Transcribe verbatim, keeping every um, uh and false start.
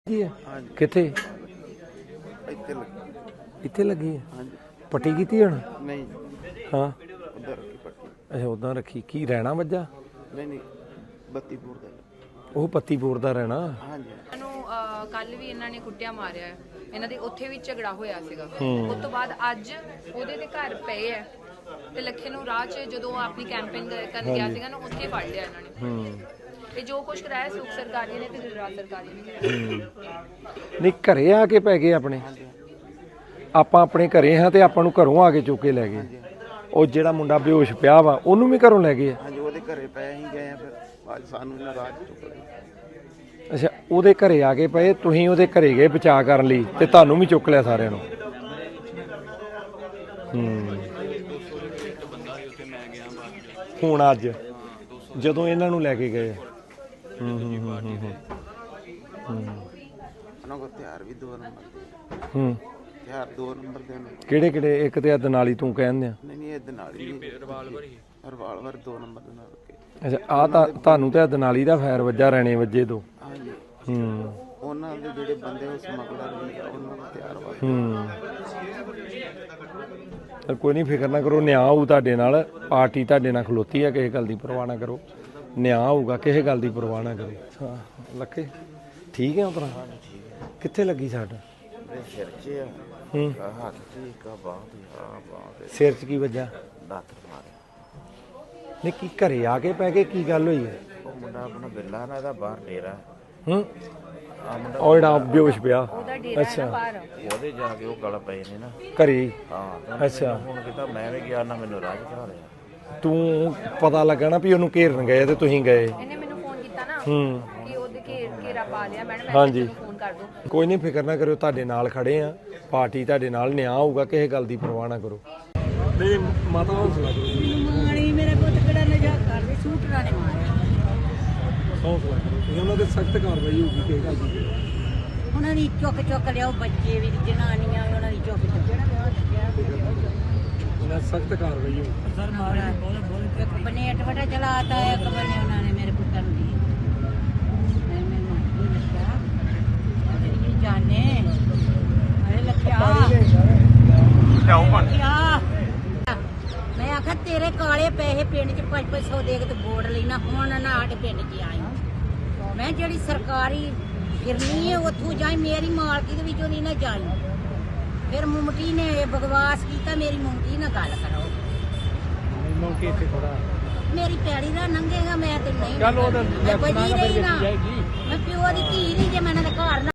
किथे इत्थे लगी है पट्टी की हूँ नहीं हाँ उधर की पट्टी अच्छा उदा रखी की रहना वज्जा नहीं नहीं बत्तीपुर ਦਾ ਉਹ ਪੱਤੀਪੁਰ ਦਾ ਰਹਿਣਾ ਹਾਂਜੀ ਇਹਨੂੰ ਕੱਲ ਵੀ ਇਹਨਾਂ ਨੇ ਕੁੱਟਿਆ ਮਾਰਿਆ ਇਹਨਾਂ ਦੇ ਉੱਥੇ ਵੀ ਝਗੜਾ ਹੋਇਆ ਸੀਗਾ ਉਸ ਤੋਂ ਬਾਅਦ ਅੱਜ ਉਹਦੇ ਦੇ ਘਰ ਪਏ ਐ ਤੇ ਲੱਖੇ ਨੂੰ ਰਾਹ 'ਚ ਜਦੋਂ ਆਪਣੀ ਕੈਂਪੇਨ ਕਰਨ ਗਿਆ ਸੀਗਾ ਨਾ ਉੱਥੇ ਫੜ ਲਿਆ ਇਹਨਾਂ ਨੇ ਹੂੰ ਇਹ ਜੋ ਕੁਝ ਕਰਾਇਆ ਸੁਖ ਸਰਕਾਰੀ ਨੇ ਤੇ ਗੁਜਰਾਤ ਸਰਕਾਰੀ ਨੇ ਕਰਾਇਆ ਨਹੀਂ ਘਰੇ ਆ ਕੇ ਪੈ ਗਏ ਆਪਣੇ ਆਪਾਂ ਆਪਣੇ ਘਰੇ ਹਾਂ ਤੇ ਆਪਾਂ ਨੂੰ ਘਰੋਂ ਆ ਕੇ ਚੁੱਕ ਕੇ ਲੈ ਗਏ ਉਹ ਜਿਹੜਾ ਮੁੰਡਾ ਬੇਹੋਸ਼ ਪਿਆ ਵਾ ਉਹਨੂੰ ਵੀ ਘਰੋਂ ਲੈ ਗਏ ਹਾਂਜੀ ਉਹਦੇ ਘਰੇ ਪਏ ਹੀ ਗਏ ਆ ਫਿਰ ਅੱਜ ਸਾਨੂੰ ਇਹਨਾਂ ਰਾਤ ਚੁੱਕ ਲਿਆ ਅੱਛਾ ਉਹਦੇ ਘਰੇ ਆ ਕੇ ਪਏ ਤੁਸੀਂ ਉਹਦੇ ਘਰੇ ਗਏ ਬਚਾਅ ਕਰਨ ਲਈ ਤੇ ਤੁਹਾਨੂੰ ਵੀ ਚੁੱਕ ਲਿਆ ਸਾਰਿਆਂ ਨੂੰ ਹੂੰ ਹੁਣ ਅੱਜ ਜਦੋਂ ਇਹਨਾਂ ਨੂੰ ਲੈ ਕੇ ਗਏ ਹੂੰ ਹੂੰ ਹੂੰ ਹੂੰ ਹੂੰ ਉਹਨਾਂ ਕੋਲ ਹਥਿਆਰ ਵੀ ਦੋ ਨੰਬਰ ਦੇ ਹੂੰ ਹਥਿਆਰ ਦੋ ਨੰਬਰ ਦੇ ਨੇ ਕਿਹੜੇ ਕਿਹੜੇ ਇੱਕ ਤੇ ਅੱਧ ਨਾਲ ਹੀ ਤੂੰ ਕਹਿੰਦੇ ਆ ਨਹੀਂ ਨਹੀਂ ਇਹਦੇ ਨਾਲ ਹੀ ਰਿਵਾਲਵਰ ਹੀ ਰਿਵਾਲਵਰ ਦੋ ਨੰਬਰ ਦੇ ਨਾਲ ਰੱਖੇ ਅੱਛਾ ਆ ਤਾਂ ਤੁਹਾਨੂੰ ਤੇ ਦਨਾਲੀ ਦਾ ਫਾਇਰ ਵੱਜਾ ਰਹਿਣੇ ਵੱਜੇ ਤੋਂ ਹਾਂਜੀ ਹੂੰ ਉਹਨਾਂ ਦੇ ਜਿਹੜੇ ਬੰਦੇ ਉਹ ਸਮਗਲਰ ਵੀ ਆ, ਉਹਨਾਂ ਦਾ ਹਥਿਆਰ ਵਾ ਹੂੰ ਤਾਂ ਕੋਈ ਨਹੀਂ ਫਿਕਰ ਨਾ ਕਰੋ ਨਿਆਂ ਹੋਊ ਤੁਹਾਡੇ ਨਾਲ ਪਾਰਟੀ ਤੁਹਾਡੇ ਨਾਲ ਖਲੋਤੀ ਆ ਕਿਸੇ ਗੱਲ ਦੀ ਪਰਵਾਹ ਨਾ ਕਰੋ ਨਿਆਂ ਹੋਊਗਾ ਕਿਸੇ ਗੱਲ ਦੀ ਪਰਵਾਹ ਨਾ ਕਰੋ ਹਾਂ ਲੱਖੇ ਠੀਕ ਹੈ ਉਤਰਾ ਕਿੱਥੇ ਲੱਗੀ ਸਾਡਾ ਮੇਰੇ ਸਿਰ 'ਚ ਆ ਹੂੰ ਹੱਥ 'ਚ ਇੱਕ ਆ ਬਾਂਹ ਤੇ ਆ ਬਾਂਹ ਤੇ ਸਿਰ 'ਚ ਕੀ ਵੱਜਾ ਦਾਤਰ ਮਾਰਿਆ ਨਹੀਂ ਕੀ ਘਰੇ ਆ ਕੇ ਪੈ ਗਏ ਕੀ ਗੱਲ ਹੋਈ ਹੈ ਉਹ ਮੁੰਡਾ ਆਪਣਾ ਬਿੱਲਾ ਨਾ ਇਹਦਾ ਬਾਹਰ ਡੇਰਾ ਹੂੰ ਆ ਮੁੰਡਾ ਉਹ ਜਿਹੜਾ ਬੇਹੋਸ਼ ਪਿਆ ਉਹਦਾ ਡੇਰਾ ਹੈ ਨਾ ਬਾਹਰ ਉਹਦੇ ਜਾ ਕੇ ਉਹ ਗਲ ਪਏ ਨੇ ਨਾ ਘਰੇ ਹੀ? ਹਾਂ ਅੱਛਾ ਹੁਣ ਕਿਤਾ ਮੈਂ ਵੀ ਗਿਆ ਨਾ ਮੈਨੂੰ ਰਾਜ ਕਰਾ ਲਿਆ ਤੂੰ ਪਤਾ ਲੱਗਾ ਨਾ ਵੀ ਉਹਨੂੰ ਘੇਰਨ ਗਏ ਤੇ ਤੁਸੀਂ ਗਏ ਇਹਨੇ ਮੈਨੂੰ ਫੋਨ ਕੀਤਾ ਨਾ ਹੂੰ ਕਿ ਉਹਦੇ ਘੇਰ ਘੇਰਾ ਪਾ ਲਿਆ ਮੈਡਮ ਮੈਂ ਹਾਂਜੀ। ਤੁਹਾਨੂੰ ਫੋਨ ਕਰ ਦੂੰ ਕੋਈ ਨਹੀਂ ਫਿਕਰ ਨਾ ਕਰਿਓ ਤੁਹਾਡੇ ਨਾਲ ਖੜੇ ਆ ਪਾਰਟੀ ਤੁਹਾਡੇ ਨਾਲ ਨਿਆਂ ਹੋਊਗਾ ਕਿਸੇ ਗੱਲ ਦੀ ਪਰਵਾਹ ਨਾ ਕਰੋ ਨਹੀਂ ਮਾਤਾ ਹੌਸਲਾ ਕਰੋ ਮਾਣੀ ਮੇਰੇ ਪੁੱਤ ਕਿਹੜਾ ਨਜਾ ਕਰਦੇ ਸ਼ੂਟਰਾਂ ਨੇ ਮਾਰਿਆ ਹੌਸਲਾ ਕਰੋ ਉਹਨਾਂ ਦੇ ਸਖਤ ਕਾਰਵਾਈ ਹੋਊਗੀ ਕਿਸੇ ਗੱਲ ਦੀ ਉਹਨਾਂ ਦੀ ਚੁੱਕ ਚੁੱਕ ਲਿਆਓ ਬੱਚੇ ਵੀ ਜਨਾਨੀਆਂ ਵੀ ਉਹਨਾਂ ਦੀ ਚੁੱਕ ਚੁੱਕ ਉਹਨਾਂ ਸਖਤ ਕਾਰਵਾਈ ਹੋਊਗੀ ਸਰ ਮਾਰਿਆ ਇੱਕ ਪਨੇਟ ਵਟਾ ਚਲਾਤਾ ਇੱਕ ਬਨੇ ਉਹਨਾਂ ਨੇ ਮੇਰੇ ਪੁੱਤਰ ਨੂੰ ਦੀ ਮੈਂ ਮੈਂ ਮਾਰੀ ਲੱਗਾ ਅਰੇ ਜਾਣੇ ਅਰੇ ਲੱਖਿਆ ਲਿਆਓ ਪਾਣੀ ਮੈਂ ਆਖਿਆ ਤੇਰੇ ਕਾਲੇ ਪੈਸੇ ਪਿੰਡ ਚ ਪੰਜ ਪੰਜ ਸੌ ਦੇ ਕੇ ਤੇ ਬੋਰਡ ਲੈਣਾ ਹੁਣ ਨਾ ਸਾਡੇ ਪਿੰਡ ਚ ਆਈ ਮੈਂ ਜਿਹੜੀ ਸਰਕਾਰੀ ਫਿਰਨੀ ਹੈ ਉੱਥੋਂ ਜਾਈ ਮੇਰੀ ਮਾਲਕੀ ਦੇ ਵਿੱਚੋਂ ਨਹੀਂ ਨਾ ਜਾਈ ਫਿਰ ਮੁੰਮਟੀ ਨੇ ਇਹ ਬਕਵਾਸ ਕੀਤਾ ਮੇਰੀ ਮੁੰਮਟੀ ਨਾਲ ਗੱਲ ਕਰੋ ਮੈਨੂੰ ਕਿ ਇੱਥੇ ਥੋੜਾ ਮੇਰੀ ਪੈੜੀ ਦਾ ਨੰਗੇਗਾ ਮੈਂ ਤੇ ਨਹੀਂ ਚੱਲ ਉਹਦਾ ਮੈਂ ਬਜੀ ਰਹੀ ਨਾ ਜਾਏਗੀ ਮੈਂ ਪਿਓ ਦੀ ਧੀ ਨਹੀਂ ਜੇ ਮੈਂ ਇਹਨਾਂ ਦੇ ਘਰ ਨਾ